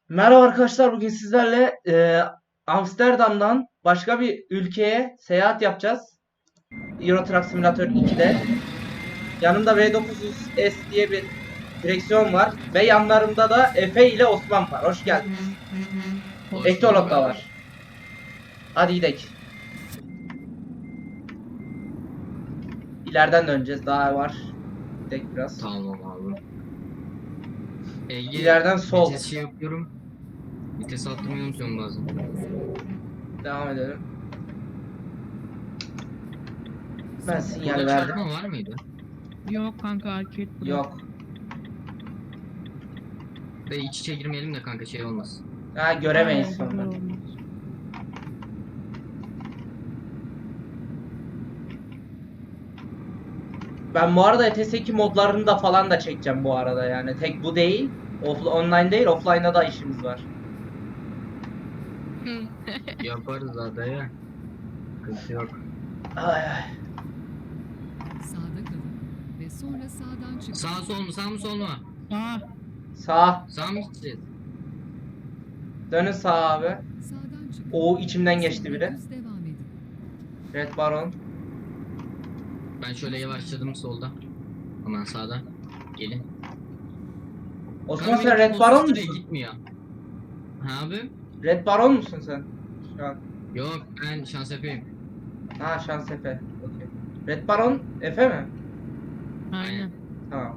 Merhaba arkadaşlar, bugün sizlerle Amsterdam'dan başka bir ülkeye seyahat yapacağız. Euro Truck Simulator 2'de. Yanımda V900S diye bir direksiyon var ve yanlarımda da Efe ile Osman var. Hoş geldiniz. Hoş Ektolog bulduk da abi. var. Hadi gidelim. İleriden döneceğiz, daha var. Gidelim biraz. Tamam abi. Ege, İleriden sol. vites şey yapıyorum. Vites attırmayı unutuyorum bazen. Devam edelim. Ben sinyal Burada verdim. çarpma var mıydı? Yok kanka arcade bırak. Yok. Ve iç içe girmeyelim de kanka şey olmaz. Ha, göremeyiz Aynen, sonra. olmaz. Ben bu arada ETS2 modlarını da falan da çekeceğim bu arada yani. Tek bu değil. Online değil, offline'da da işimiz var. Yaparız zaten ya. Sıkıntı yok. Ay ay. Sağda kalın ve sonra sağdan çıkın. Sağ sol mu sağ mı sol mu? Aa, Sağ. Sağ mı gideceğiz? Dönün sağa abi. Sağdan çıkın. O içimden geçti Sonra biri. düz devam edin. Red Baron. Ben şöyle yavaşladım solda. Aman sağda. Gelin. Osman Kanka sen benim Red Baron şuraya musun? Gitmiyor. Ha abi? Red Baron musun sen? Şu an. Yok ben şans yapayım. Ha, şans Efe. Okey. Red Baron Efe mi? aynen. Tamam.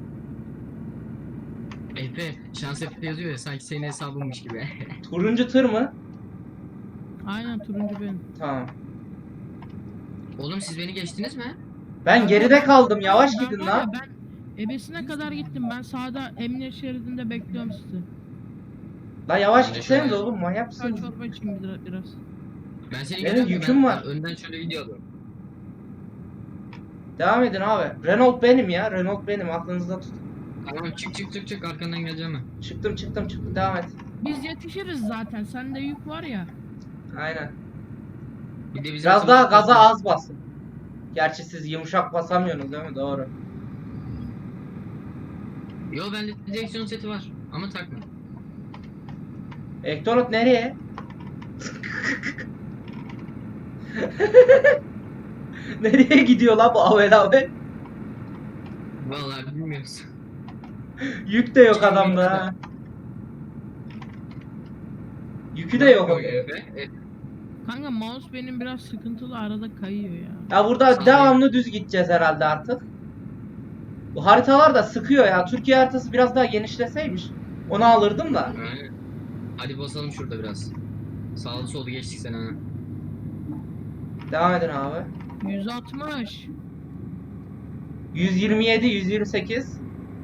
Efe şans Efe yazıyor ya sanki senin hesabınmış gibi. Turuncu tır mı? Aynen turuncu benim. Tamam. Oğlum siz beni geçtiniz mi? Ben geride kaldım. Yavaş Ben gidin var ya, lan. Ben ebesine kadar gittim. Ben sağda emniyet şeridinde bekliyorum sizi. La yavaş Ben de gitseniz şöyle- oğlum, manyak Çay mısınız? çorba içeyim biraz. Ben seni Benim görüyorum da yüküm ben var. önden şöyle gidiyordum. Devam edin abi. Renault benim ya. Renault benim. Aklınızda tutun. Tamam çık arkandan geleceğim ben. Çıktım. Devam et. Biz yetişiriz zaten. Sende yük var ya. Aynen. Bir de bizim Biraz daha sınıfta- gaza az basın. Gerçi siz yumuşak basamıyorsunuz değil mi? Doğru. Yo bende direksiyon seti var ama takma. Ektonot nereye? Nereye gidiyor la bu avel avel? Vallahi bilmiyoruz. Yük de yok adamda ha. Yükü de yok. Efe. Kanka mouse benim biraz sıkıntılı, arada kayıyor ya. Ya burada devamlı düz gideceğiz herhalde artık. Bu haritalar da sıkıyor ya. Türkiye haritası biraz daha genişleseymiş. Onu alırdım da. Aynen. Hadi basalım şurada biraz. Sağlı solu geçtik sen ha. Devam edin abi. 160. 127, 128.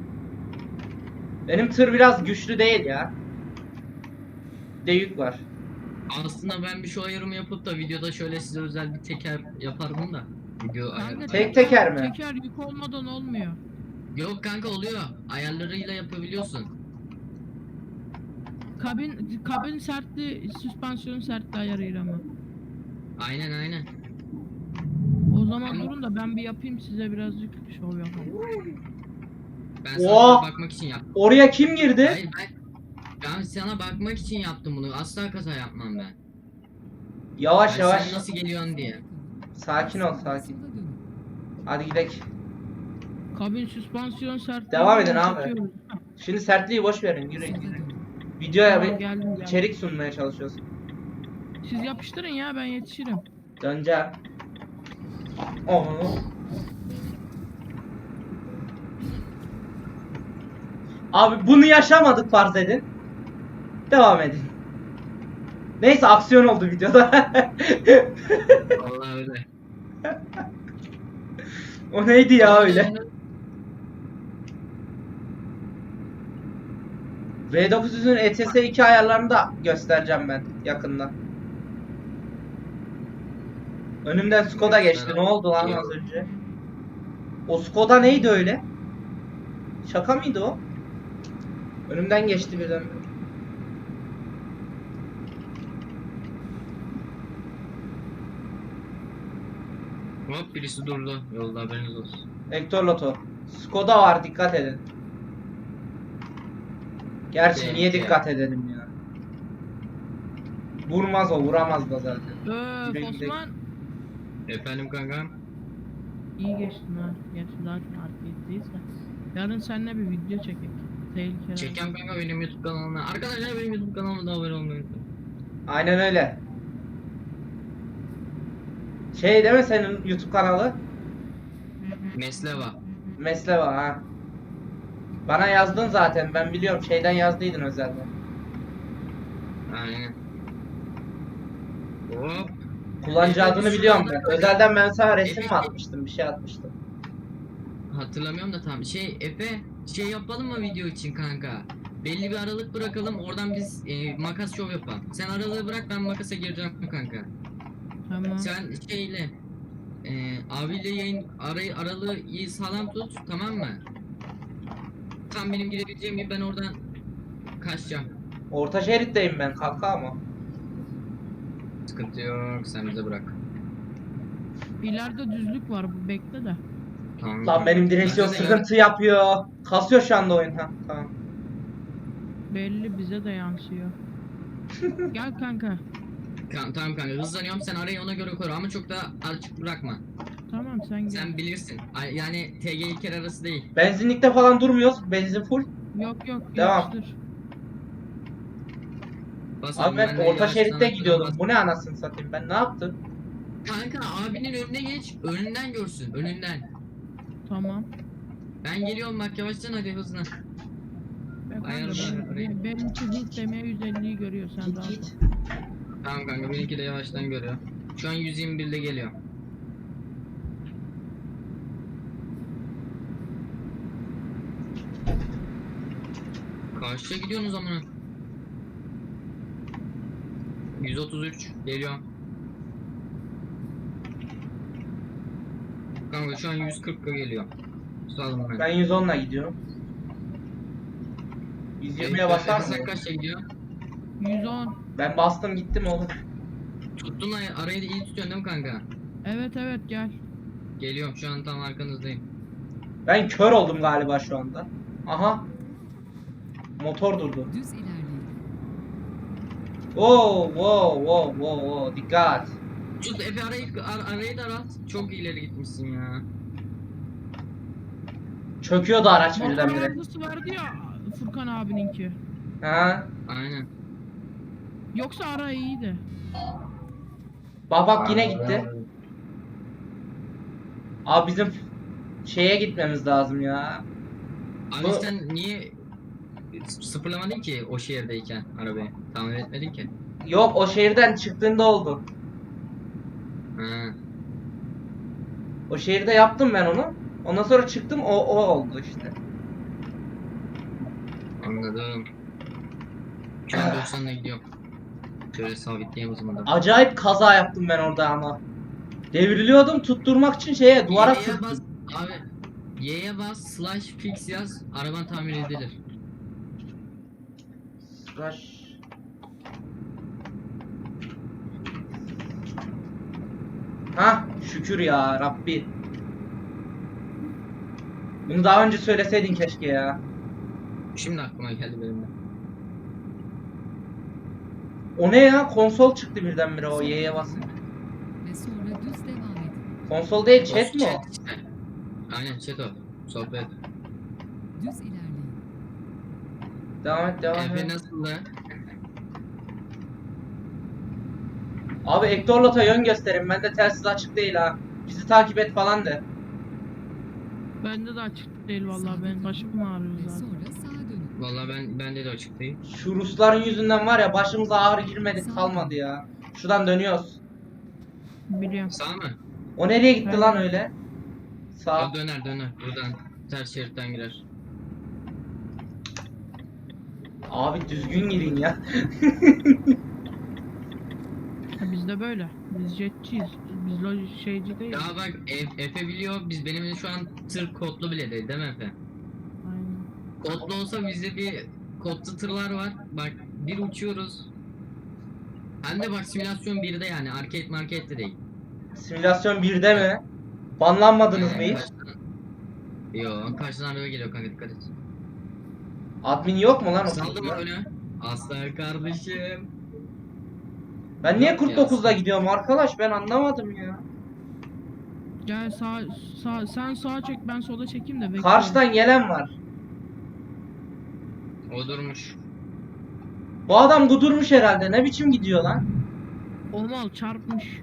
Benim tır biraz güçlü değil ya. Bir de yük var. Aslında ben bir şu ayarımı yapıp da videoda şöyle size özel bir teker yapardım da. Video Kanka ayarı. Tek teker mi? Teker yük olmadan olmuyor. Yok kanka oluyor. Ayarlarıyla yapabiliyorsun. Kabin sertli, süspansiyon sertli ayarıyla mı? Aynen. O zaman durun da ben bir yapayım, size birazcık şov yapayım. Ben sana Oha! bakmak için yaptım. Oraya kim girdi? Hayır ben sana bakmak için yaptım bunu. Asla kaza yapmam ben. Yavaş Yani yavaş. sen nasıl geliyorsun diye. Sakin ol, sakin. Sola dönün. Hadi gidelim. Kabin süspansiyon sertli. Devam edin abi. çekiyoruz. Şimdi sertliği boş verin. Yürüyün. Sola dönün. Videoya Tamam, bir geldim. içerik sunmaya çalışıyoruz. Siz yapıştırın ya, ben yetişirim. Döneceğim. Onu. Abi bunu yaşamadık farz edin. Devam edin. Neyse, aksiyon oldu videoda. Vallahi öyle. O neydi ya öyle? V900'ün ETS2 ayarlarını da göstereceğim ben yakında. Önümden Skoda geçti. Ne oldu lan az önce? O Skoda neydi öyle? Şaka mıydı o? Önümden geçti birden. Hop birisi durdu. Yolda haberiniz olsun. Hector Loto. Skoda var, dikkat edin. Gerçi Evet, niye evet. dikkat edelim ya? Vurmaz o, vuramaz da zaten. Güle güle. Osman Efendim kankam. iyi geçtin ha. Gerçi zaten arcade'deyiz de. Yarın seninle bir video çekek. Tehlikeli. Çeken kanka benim YouTube kanalıma. Arkadaşlar benim YouTube kanalıma da abone olmayı unutmayın. Aynen öyle. Şey değil mi senin YouTube kanalı? Mesleva. Mesleva ha. Bana yazdın zaten, ben biliyorum, şeyden yazdıydın özelden. Aynen. Hop. Kullanıcı Evet, adını biz biliyorum şu ben. anda- Özelden ben sana resim mi Evet. atmıştım, bir şey atmıştım. Hatırlamıyorum da tam. Efe şey yapalım mı video için kanka? Belli bir aralık bırakalım oradan biz makas şov yapalım. Sen aralığı bırak ben makasa gireceğim kanka. Tamam. Sen şeyle abiyle yayın aralığı iyi sağlam tut tamam mı? Tam benim girebileceğim gibi ben oradan kaçacağım. Orta şeritteyim ben kanka ama. Sıkıntı yok sen bize bırak. İleride düzlük var, bu bekle de. Tamam. Lan benim direksiyon Ben de sıkıntı yapıyor. Kasıyor şu anda oyun, ha tamam. Belli, bize de yansıyor. Gel kanka. Tamam kanka hızlanıyorum sen arayı ona göre koru ama çok da açık bırakma. Tamam sen gel. Sen bilirsin. Yani TG İlker arası değil. Benzinlikte falan durmuyoruz, benzin full. Yok Devam. yapıştır. Bas Abi oğlum, ben de orta yavaştan şeritte arkadan gidiyordum. bas. Bu ne anasını satayım, ben ne yaptım? Kanka abinin önüne geç. Önünden görsün. Önünden. Tamam. Ben geliyorum bak yavaştan hadi hızlı. Ben Ayarla kanka, orayı. benimki hız demeye 150'yi görüyor, sen Git rahat ol. git. Tamam kanka benimki de yavaştan görüyor. Şu an 121'de geliyor. Karşıya gidiyorsunuz ama. 133 geliyor. Kanka şu an 140'a geliyor. Sağ ben. Ben 110'la gidiyorum. 120'ye basar Sen mı? kaçta gidiyor? 110. Ben bastım gittim oğlum. Tuttun arayı da iyi tutuyorsun değil mi kanka? Evet gel. Geliyorum şu an tam arkanızdayım. Ben kör oldum galiba şu anda. Aha. Motor durdu. Düz ilerleyin. Wow. Dikkat. Tut Efe arayı da at. Çok ileri gitmişsin ya. Çöküyordu araç Motor birdenbire. arızası vardı ya Furkan abininki. Ha. Aynen. Yoksa ara iyiydi. Bak yine gitti. Abi bizim şeye gitmemiz lazım ya. Abi Bu- sen niye sıfırlamadın ki o şehirdeyken arabayı? Tamir etmedin ki. Yok, o şehirden çıktığında oldu. Ha. O şehirde yaptım ben onu. Ondan sonra çıktım, o oldu işte. Anladım. Şu an 90'la gidiyorum. Şöyle sabitleyeyim o zaman da. Acayip kaza yaptım ben orada ama. Devriliyordum, tutturmak için şeye, duvara Y'ye sürttüm. bas abi. Y'ye bas slash fix yaz. Araban tamir edilir. Rush. Hah, şükür ya Rabbi. Bunu daha önce söyleseydin keşke ya. Şimdi aklıma geldi benim de. O ne ya? Konsol çıktı birdenbire o Y'ye basınca. Ve sonra düz devam edin. Konsol değil, chat mi o? Chat işte. Aynen chat o. Sohbet. Düz ilerleyin. Devam et. Efe nasıldı? Abi Ektorlot'a yön gösterin. Bende telsiz açık değil ha. Bizi takip et falan de. Bende de açık değil vallahi, ben başım ağrıyor Ve zaten. sonra sağa dönün. Vallahi bende de açık değil. Şu Rusların yüzünden var ya, başımıza ağrı girmedik kalmadı ya. Şuradan dönüyoruz. Biliyorum. Sağ mı? O nereye gitti Ben- lan öyle? Sağ. O döner. Buradan ters şeritten girer. Abi düzgün girin ya. Ha, biz de böyle. Biz jetçiyiz. Biz şeyci değil. Ya bak Efe biliyor benim şu an tır kodlu bile değil mi Efe? Aynen. Kodlu olsa bizde bir kodlu tırlar var. Bak bir uçuyoruz. Hem de bak simülasyon 1'de yani arcade markette değil. Simülasyon 1'de mi? Banlanmadınız mı hiç? Yok karşıdan araba geliyor kanka dikkat et. Admin yok mu lan o Saldım sırada? önü. Aslan kardeşim. Ben niye Yok ya, 49'da gidiyorum arkadaş, ben anlamadım ya. Gel sen sağa çek ben sola çekeyim de bekle. Karşıdan gelen var. O durmuş. Bu adam kudurmuş herhalde, ne biçim gidiyor lan? O mal çarpmış.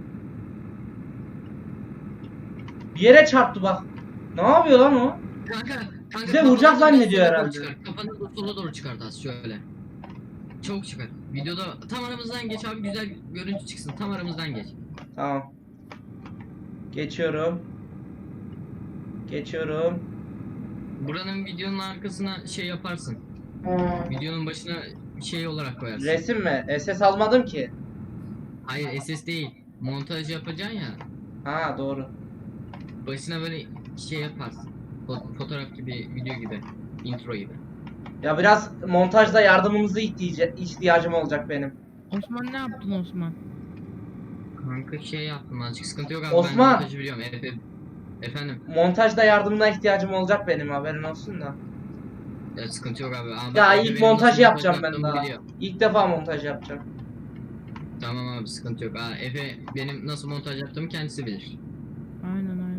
Bir yere çarptı bak. Ne yapıyor lan o? Kanka Bize vuracak kafanı zannediyor sola doğru herhalde. çıkar. Kafanı da sola doğru çıkart az şöyle. Çok çıkar. Videoda tam aramızdan geç abi, güzel görüntü çıksın. Tam aramızdan geç. Tamam. Geçiyorum. Geçiyorum. Buranın videonun arkasına şey yaparsın. Videonun başına şey olarak koyarsın. Resim mi? SS almadım ki. Hayır SS değil. Montaj yapacaksın ya. Ha doğru. Başına böyle şey yaparsın. Fotoğraf gibi, video gibi. Intro gibi. Ya biraz montajda yardımınızı ihtiyacım olacak benim. Osman ne yaptın Osman? Kanka şey yaptım, azıcık sıkıntı yok abi. Osman! Ben montajı biliyorum. Efendim. Montajda yardımına ihtiyacım olacak benim, haberin olsun da. Ya sıkıntı yok abi. Ya Efe ilk benim montajı nasıl yapacağım montaj ben yaptığımı daha. biliyor. İlk defa montaj yapacağım. Tamam abi, sıkıntı yok. Efe benim nasıl montaj yaptığımı kendisi bilir. Aynen.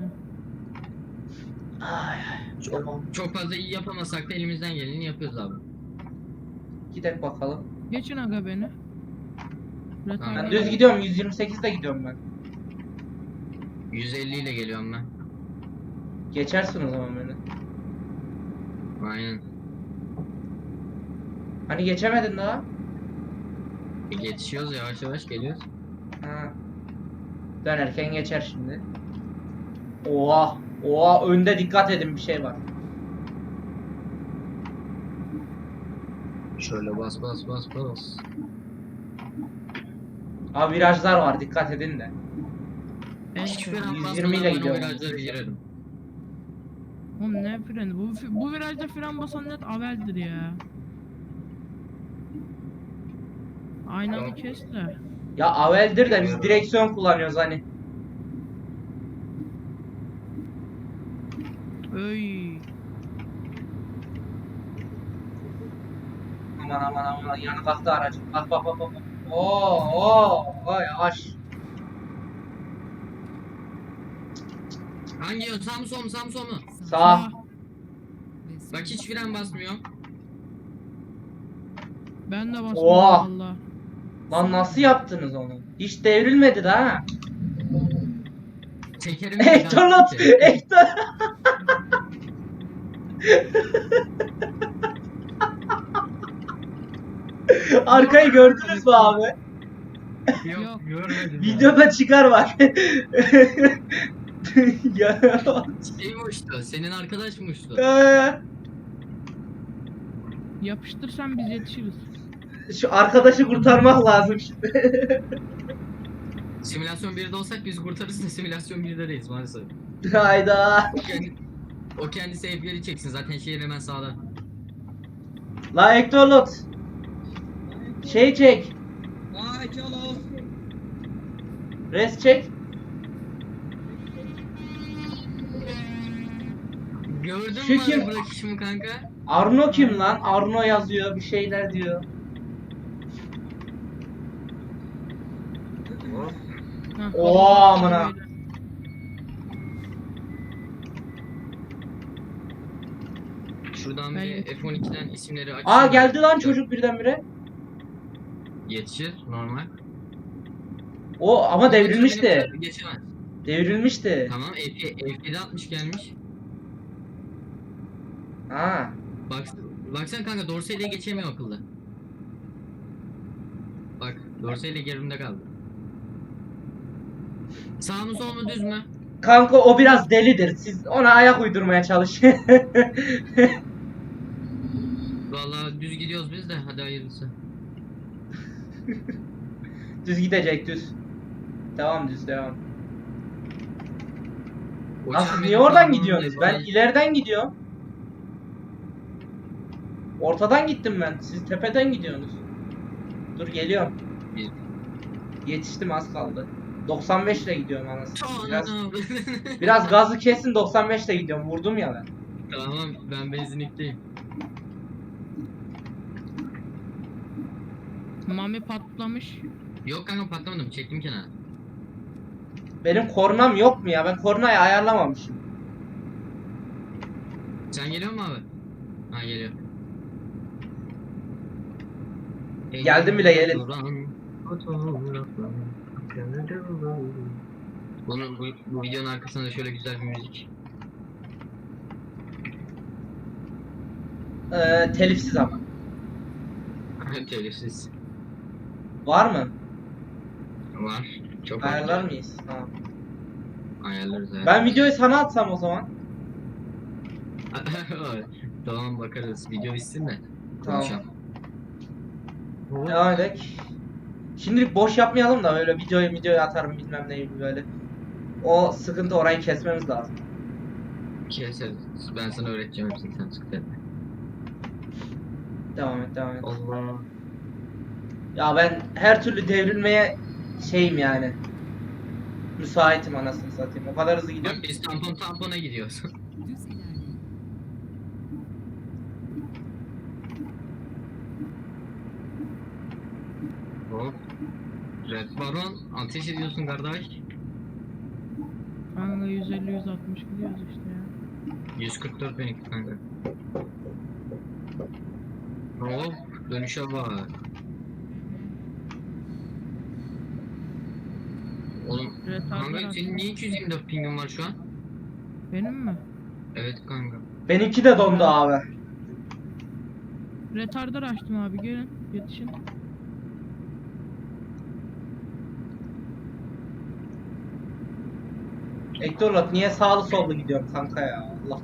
Ay, Çok fazla iyi yapamasak da elimizden geleni yapıyoruz abi. gidelim bakalım. Geçin aga beni. Tamam. Ben düz gidiyorum, 128'de gidiyorum ben. 150 ile geliyorum ben. Geçersin o zaman beni. Aynen. Hani geçemedin daha? Yetişiyoruz, yavaş yavaş geliyoruz. Ha. Dönerken geçer şimdi. Oha. Oha, önde dikkat edin, bir şey var. Şöyle bas. Abi virajlar var, dikkat edin de. En Hiçbir kötü. an 120 basmadan ile ben o gidiyorum. virajlara girerim. Oğlum ne freni? Bu virajda fren basan net aveldir ya. Aynanı Yok. kes de. Ya aveldir de biz direksiyon kullanıyoruz hani. Öy. Aman yanı kalktı aracı. Bak. Oo, yavaş. Hangi yön? Sağ mı sol mu? Sağ mı sol mu? Sağ. Ve sonra Bak hiç fren basmıyor. Ben de basmadım Oha. valla. Lan nasıl yaptınız onu? Hiç devrilmedi daha. Ha. Tekerim. Ektorlat. Ektor. Arkayı gördünüz mü abi? Yok görmedim. Videoda çıkar bak. Ya. Şey mi uçtu? Senin arkadaş mı uçtu? Yapıştırsan biz yetişiriz. Şu arkadaşı kurtarmak lazım şimdi. Simülasyon 1'de olsak biz kurtarırız da simülasyon 1'de değiliz maalesef. Hayda. O kendisi F1'i çeksin, zaten şehir hemen sağda. La Ektorlot. Şey çek. Res çek. Gördün Şu mü kim? abi bırakışımı kanka? Arno kim lan? Arno yazıyor, bir şeyler diyor. Hah, Oo, hadi amına. böyle. Şuradan Ben bir yetiştim. F12'den isimleri aç. Aa, geldi lan çocuk birdenbire. Yetişir normal. O ama devrilmişti. Geçemez. Devrilmişti. Tamam F7 60 gelmiş. Ha. Baksana kanka, Dorsey'le geçemiyor akıllı. Bak Dorsey'le gerimde kaldı. Sağ mı sol mu düz mü? Kanka o biraz delidir. Siz ona ayak uydurmaya çalışın. Vallahi düz gidiyoruz biz de, hadi hayırlısı. Düz gidecek, düz. Devam, düz devam. O Lan siz çemberin niye oradan tamamını gidiyorsunuz? Ben yapalım. ileriden gidiyorum. Ortadan gittim ben. Siz tepeden gidiyorsunuz. Dur geliyorum. Biz- Yetiştim, az kaldı. 95 ile gidiyorum anasını. Biraz, Tamam. biraz gazı kesin, 95 ile gidiyorum. Vurdum ya ben. Tamam, ben benzinlikteyim. Mami patlamış. Yok kanka patlamadım. Çektim kenara. Benim kornam yok mu ya? Ben kornayı ayarlamamışım. Sen geliyor mu abi? Ha geliyor. Geldim bile, gelin. Bu videonun arkasında da şöyle güzel bir müzik. Telifsiz ama. Telifsiz. Var mı? Var. Çok Ayarlar mıyız? Tamam. Ayarlarız evet. Ben videoyu sana atsam o zaman. Tamam bakarız. Video bitsin de. Tamam. Konuşalım. Devam edelim. Şimdilik boş yapmayalım da öyle videoyu atarım bilmem neyi böyle. O sıkıntı, orayı kesmemiz lazım. Keseriz. Ben sana öğreteceğim hepsini, sen sıkıntı etme. Devam et. Allah. Ya ben her türlü devrilmeye şeyim yani. Müsaitim anasını satayım. O kadar hızlı gidiyorum. Bak biz tampona gidiyoruz. Düz ilerleyin. Hop. Red Baron ateş ediyorsun kardeş. Kanka 150-160 gidiyoruz işte ya. 144 benimki kanka. Hop. Dönüşe bak. Oğlum Retardlar kanka senin niye 224 pingin var şu an? Benim mi? Evet kanka. Benimki de dondu abi. Retardar açtım abi, gelin yetişin. Ektorlat niye sağlı sollu gidiyorum kanka ya? Allah.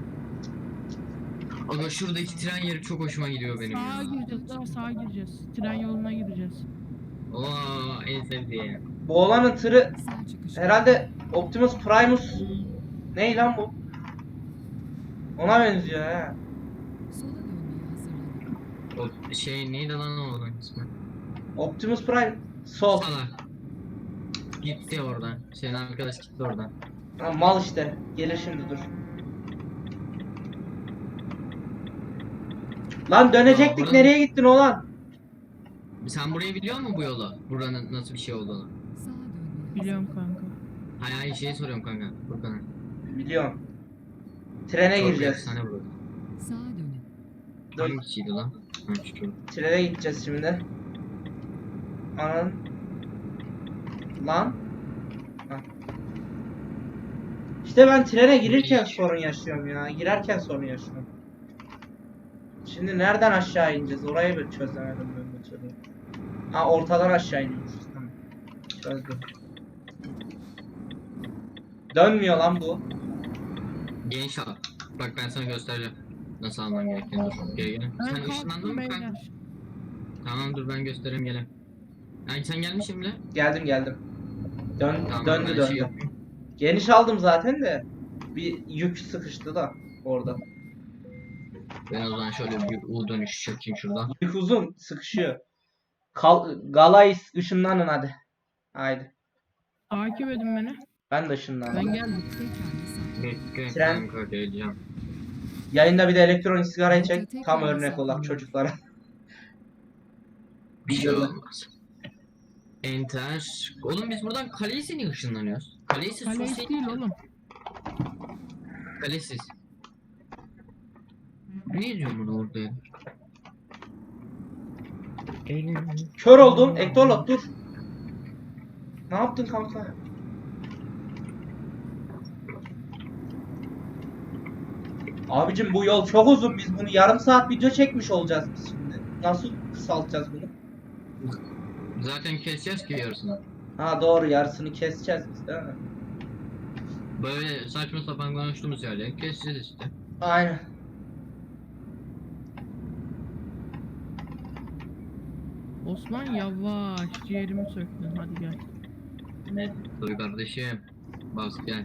Aga şuradaki tren yeri çok hoşuma gidiyor benim Sağa ya. gireceğiz, daha sağa gireceğiz. Tren yoluna gireceğiz. Oo en sevdiğim. Bu olanın tırı Sağ çıkış. herhalde Optimus Primus. Ney lan bu? Ona benziyor he. Sola dönmeye hazırlanın. O şey neydi lan o olan ismi? Optimus Prime. Sol. Salak. Gitti oradan. Senin arkadaş gitti oradan. Ha, mal işte. Gelir şimdi, dur. Lan dönecektik, Buranın- nereye gittin oğlan? Sen burayı biliyor musun bu yolu? Buranın nasıl bir şey olduğunu? Sağa dönmeye Biliyorum kanka. Hayır hayır şey soruyorum kanka. Furkan'a. Biliyorum. Trene Çok gireceğiz. efsane burası. Sağa dönün. Dur. Hangisiydi lan? Ha şu. Trene gideceğiz şimdi. Anan. Lan. Ha. İşte ben trene girirken sorun yaşıyorum ya. Girerken sorun yaşıyorum. Şimdi nereden aşağı ineceğiz? Orayı bir çözemedim ben bir türlü. Ha, ortadan aşağı iniyoruz. Tamam. Çözdüm. Dönmüyor lan bu. Genç al. Bak ben sana göstereceğim. Nasıl alman gerektiğini dur. Geri gelin. Ben Sen ışınlandın kalktım mı kanka? beyler. Tamam dur ben göstereyim gelin. Yani sen gelmişsin bile. Geldim. Tamam, Döndü ben döndü. şey yapayım. Geniş aldım zaten de. Bir yük sıkıştı da orada. Ben o zaman şöyle bir U dönüşü çekeyim şuradan. Yük uzun sıkışıyor. Galais ışınlanın hadi. Haydi. Takip edin beni. Ben de ışınlandım. Ben geldim. Tekrar mesafe. Bekle Tren. kanka geleceğim. Yayında bir de elektronik sigarayı çek. Tam örnek olak çocuklara. Bir şey Güzel. olmaz. Enter. Oğlum biz buradan Kalesi'ne niye ışınlanıyoruz? Kalesi Kale sosyal değil oğlum. Kalesiz. Ne diyor bunu orada ya? Kör oldum. Ektorlot dur. Ne yaptın kanka? Abicim bu yol çok uzun. Biz bunu yarım saat video çekmiş olacağız biz şimdi. Nasıl kısaltacağız bunu? Zaten keseceğiz ki yarısını. Ha doğru, yarısını keseceğiz biz değil mi? Böyle saçma sapan konuştuğumuz yerleri keseceğiz işte. Aynen. Osman yavaş, ciğerimi söktün, hadi gel. Tabii kardeşim. Bas gel.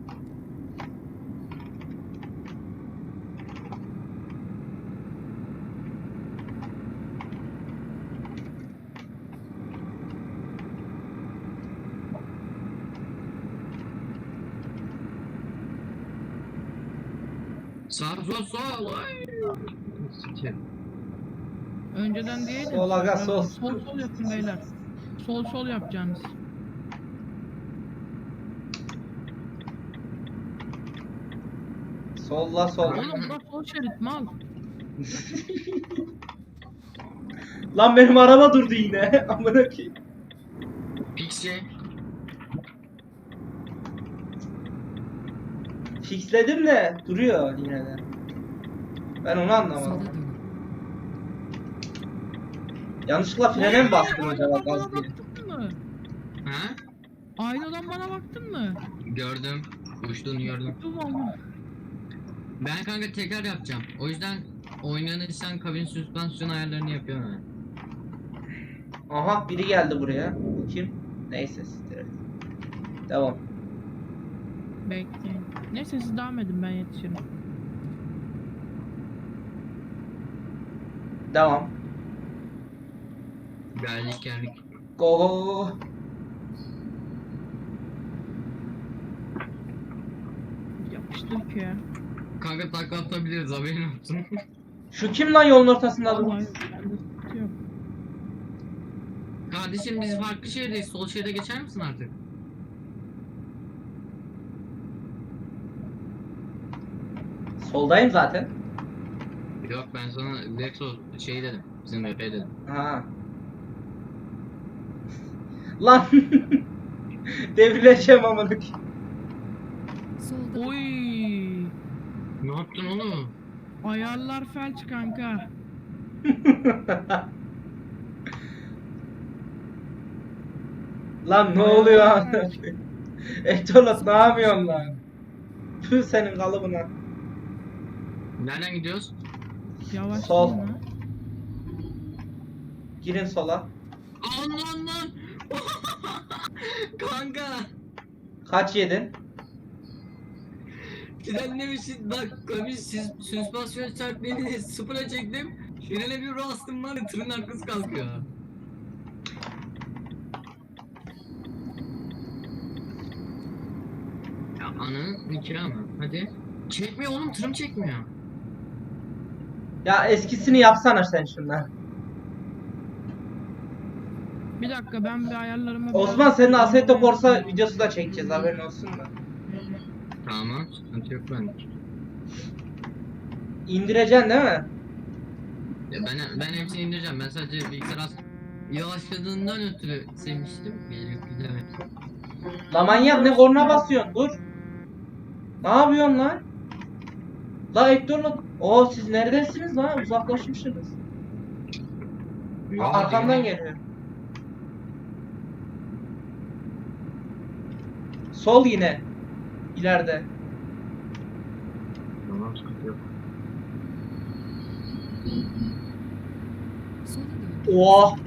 Sağ sol sol. Ay. Sikeyim. Önceden diyeydin. Sol aga, sol. Sol yapın beyler. sol yapacaksınız. Solla sol. Oğlum bura sol şerit mal. Lan benim araba durdu yine. Amına koyayım. Pixie. Fixledim de duruyor yine de. Ben onu Sola anlamadım. dönün. Yanlışlıkla frene mi bastım acaba Aynadan gaz bana diye? baktın mı? Ha? Aynadan bana baktın mı? Gördüm. Uçtuğunu gördüm. Dur ama. Ben kanka tekrar yapacağım. O yüzden oynanırsan kabin süspansiyon ayarlarını yapıyorum ben. Aha biri geldi buraya. Bu kim? Neyse siktir et. Devam. Bekleyin. Neyse siz devam edin ben yetişirim. Devam. Geldik. Go go go go. Yapıştır ki ya. Kanka takla atabiliriz haberin olsun. Şu kim lan yolun ortasında dur? Vallahi bende sıkıntı yok. Kardeşim biz farklı şehirdeyiz. Sol şeride geçer misin artık? Soldayım zaten. Yok ben sana Lexo şey dedim. Bizim VP dedim. Ha. Lan. Devirleşeceğim amına koyayım. Solda Oy. Ne yaptın oğlum? Ayarlar felç kanka. Lan ne oluyor? Etolot ne yapıyorsun lan? Tüh senin kalıbına. Nereden gidiyoruz? Yavaş Sol. lan. Girin sola. Allah. Kanka. Kaç yedin? Frenlemişsin bak kabin süspansiyon sertliğini sıfıra çektim. Frene bir bastım var ya tırın arkası kalkıyor. Ya ananın nikahı mı? Hadi. Çekmiyor oğlum tırım çekmiyor. Ya eskisini yapsana sen şundan. Bir dakika ben bir ayarlarıma... Osman senin Assetto Corsa videosu da çekeceğiz haberin olsun da. Tamam sıkıntı yok bende. İndireceksin değil mi? Ya ben hepsini indireceğim. Ben sadece bilgisayar yavaşladığından ötürü sevmiştim. Gidemedim. La manyak ne korna basıyorsun dur. Ne yapıyorsun lan? La Ektor'la... Oo siz neredesiniz lan? Uzaklaşmışsınız. Arkamdan geliyor. Sol yine. İleride. Tamam sıkıntı yok. sola dönün. Oh.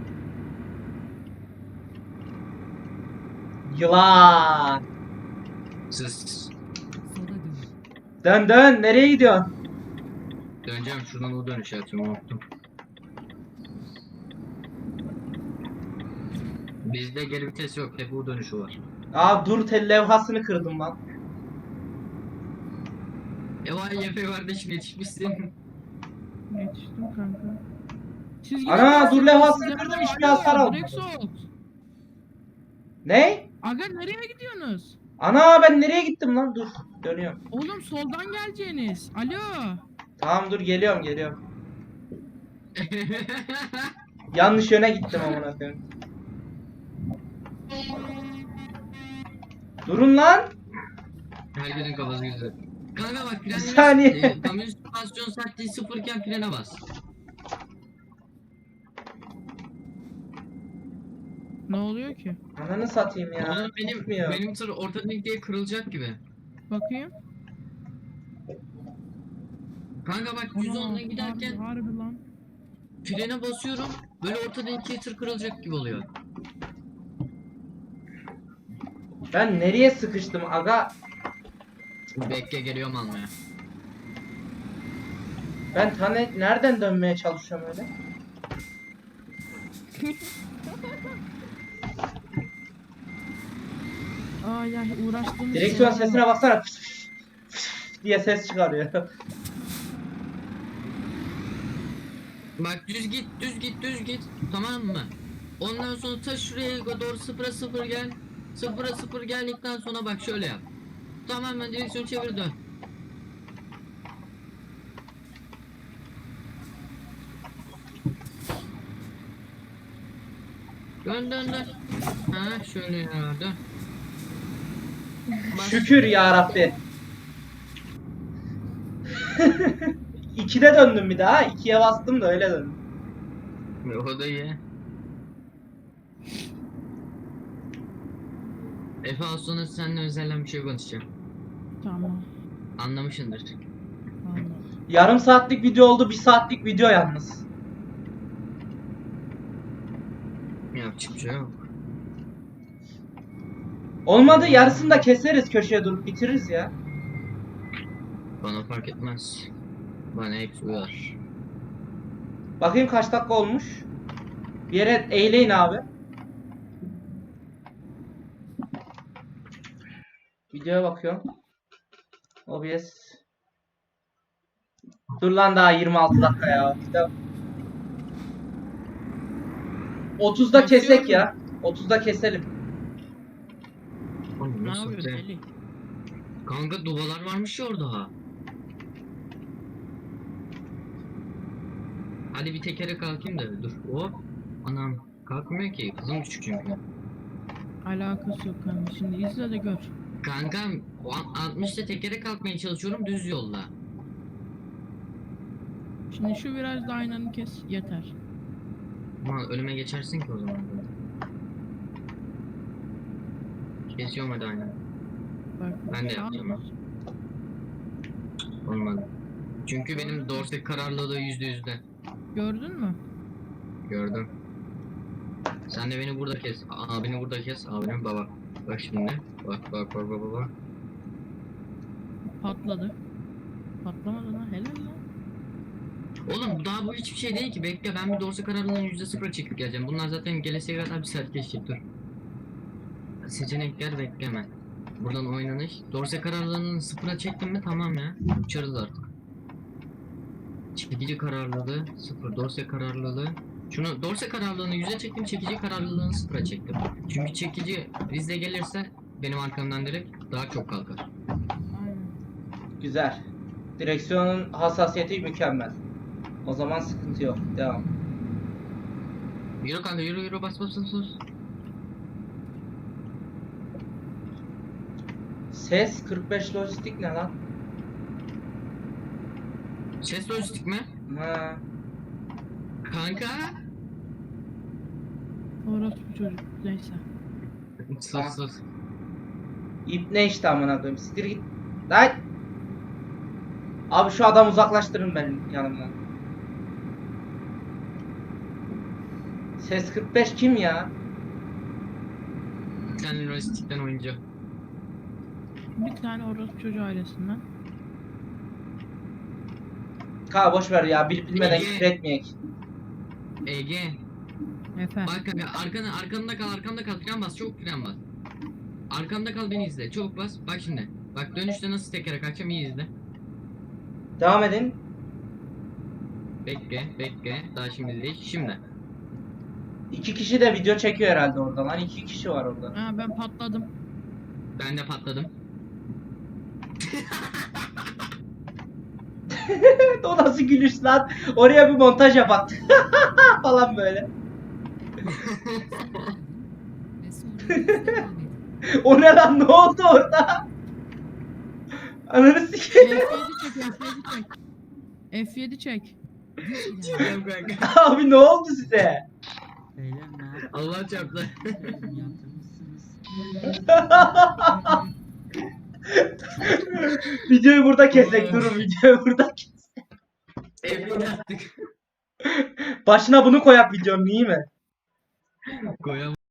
Yılan. Siz Sola dönün. Dön dön nereye gidiyorsun? döneceğim şuradan o dönüş yapacağım unuttum. Bizde geri vites yok. Hep U dönüşü var. Aa dur tel levhasını kırdım lan. Vay YF kardeşim yetişmişsin. Yetiştim kanka. Siz Ana, gidin, dur siz levhasını size- kırdım, hiçbir Alo, hasar almadım. direkt sol. Ne? Aga nereye gidiyorsunuz? Ana ben nereye gittim lan? Dur dönüyorum. Oğlum soldan geleceğiniz. Alo. Tamam dur geliyorum. Yanlış yöne gittim amına koyayım. Durun lan. Herkesin kafası güzel. Kanka bak frenle saniye. kamyon süspansiyon sertliği sıfırken frene bas. Ne oluyor ki? Ananı satayım ya. Oğlum Gitmiyor. benim tır orta denkliğe kırılacak gibi. Bakayım. Kanka bak 110'la giderken Harbi lan. frene basıyorum. Böyle orta denkliğe tır kırılacak gibi oluyor. Ben nereye sıkıştım aga? Bekle geliyorum almaya. Ben nereden dönmeye çalışıyorum öyle? Ay ay uğraştığımız Direksiyon şeyler sesine var. baksana. Fıs fıs fıs diye ses çıkarıyor. Bak düz git. Tamam mı? Ondan sonra ta şuraya doğru 0'a 0 gel. 0'a 0 geldikten sonra bak şöyle yap. Tamamen direksiyon çevir dön. Dön dön dön. Ha şöyle ya dön. Bas. Şükür ya Rabbi. 2'de döndüm bir daha. 2'ye bastım da öyle döndüm. O da iyi. Efe az sonra seninle özelden bir şey konuşacağım. Tamam. Anlamışsındır. Anladım. Yarım saatlik video oldu, 1 saatlik video yalnız. Yapacak bir şey yok. Olmadı, yarısını da keseriz, köşeye durup bitiririz ya. Bana fark etmez. Bana hepsi uyar. Bakayım kaç dakika olmuş. Bir yere eğleyin abi. Videoya bakıyorum. OBS. Dur lan, daha 26 dakika ya. 30'da kesek ya. 30'da keselim. Oğlum Ne nasıl yapıyorsun be? deli? Kanka duvalar varmış ya orada ha. Hadi bir tekere kalkayım da dur. Hop. Anam kalkmıyor ki. Kızım küçük çünkü. Alakası yok kanka. Şimdi izle de gör. Kankam o 60'ta tekere kalkmaya çalışıyorum düz yolda. Şimdi şu virajda aynanı kes yeter. Aman önüme geçersin ki o zaman. Kesiyorum hadi aynen. Bak. Ben de sağ yapacağım ha. ol. Olmadı. Çünkü benim dorse kararlılığı %100'de. Gördün mü? Gördüm. Sen de beni burada kes. Abini burada kes. Abinin baba. Bak şimdi. Bak bak bak bak bak. Patladı. Patlamadı lan, helal lan. Oğlum daha bu hiçbir şey değil ki. Bekle ben bir dorse kararlılığını %0'a çekip geleceğim. Bunlar zaten gelesiye kadar bir saat geçecek dur. Seçenekler bekleme. Buradan oynanış. Dorse kararlılığını 0'a çektim mi tamam ya. Uçarız artık. Çekici kararlılığı 0. Dorse kararlılığı. Şunu dorse kararlılığını 100'e çektim. Çekici kararlılığını 0'a çektim. Çünkü çekici bizde gelirse benim arkamdan direkt daha çok kalkar. Aynen. Güzel. Direksiyonun hassasiyeti mükemmel. O zaman sıkıntı yok. Devam. Yürü kanka yürü yürü bas bas bas bas. Ses 45 lojistik ne lan? Ses lojistik mi? Ha. Kanka. Orospu çocuk. Neyse. Sus sus. İp ne işte amına koyayım. Siktir git. Lan. Abi şu adamı uzaklaştırın benim yanımdan. Ses 45 kim ya? Sen lojistikten oyuncu. Bir tane orospu çocuğu ailesinden. Ka boş ver ya, bilip bilmeden Ege. küfür etmeyek. Ege. Efe. Bak kanka arkamda kal arkamda kal fren bas çabuk fren bas. Arkamda kal beni izle çabuk bas bak şimdi. Bak dönüşte nasıl tekere kaçacağım iyi izle. Devam edin. Bekle bekle daha şimdi değil şimdi. 2 kişi de video çekiyor herhalde orada lan. 2 kişi var orada. Ha, ben patladım. Ben de patladım. O nasıl gülüş lan? Oraya bir montaj yapak. falan böyle. Ve sonra düz devam edin. O ne lan, ne oldu orada? Ananı sikeyim. F7 çek. F7 çek. Düz ilerleyin. Çıkıyorum kanka. Abi ne oldu size? Beyler ne yapıyorsunuz? Allah çarptı. Yatırmışsınız. Videoyu burada kesek, durun videoyu burada kesek. Evini yaptık. Başına bunu koyak videonun, iyi mi? Koyamam.